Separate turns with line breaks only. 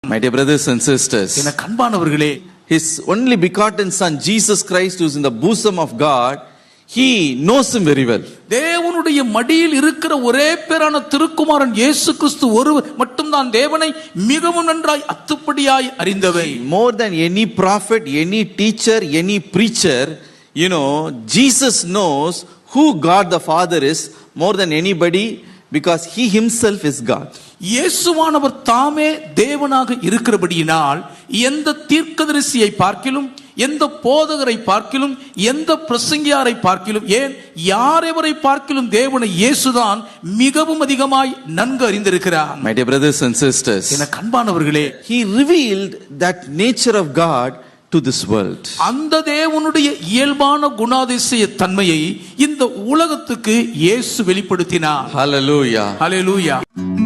My dear brothers and sisters,
என கண்பானவர்களே,
his only begotten son Jesus Christ, who is in the bosom of God, he knows him very well.
தேவனுடைய மடியில் இருக்கிற ஒரே பேரான திருக்குமாரன் இயேசு கிறிஸ்து ஒருவர் மட்டும்தான் தேவனை மிகவும் நன்றாய் அத்துப்படியாய் அறிந்தவை.
More than any prophet, any teacher, any preacher, Jesus knows who God the Father is more than anybody, because he himself is God.
இயேசுவானவர் தாமே தேவனாக இருக்கிறபடியினால் எந்த தீர்க்கதரிசியை பார்க்கிலும், எந்த போதகரை பார்க்கிலும், எந்த பிரசங்கியாரை பார்க்கிலும், ஏன் யாரெவரை பார்க்கிலும் தேவனை இயேசுதான் மிகவும் அதிகமாய் நன்கு அறிந்திருக்கிறார்.
My dear brothers and sisters,
என கண்பானவர்களே,
he revealed that nature of God to this world.
அந்த தேவனுடைய இயல்பான குணாதிசய தன்மையை இந்த உலகத்துக்கு இயேசு வெளிப்படுத்தினார்.
Hallelujah.
Hallelujah.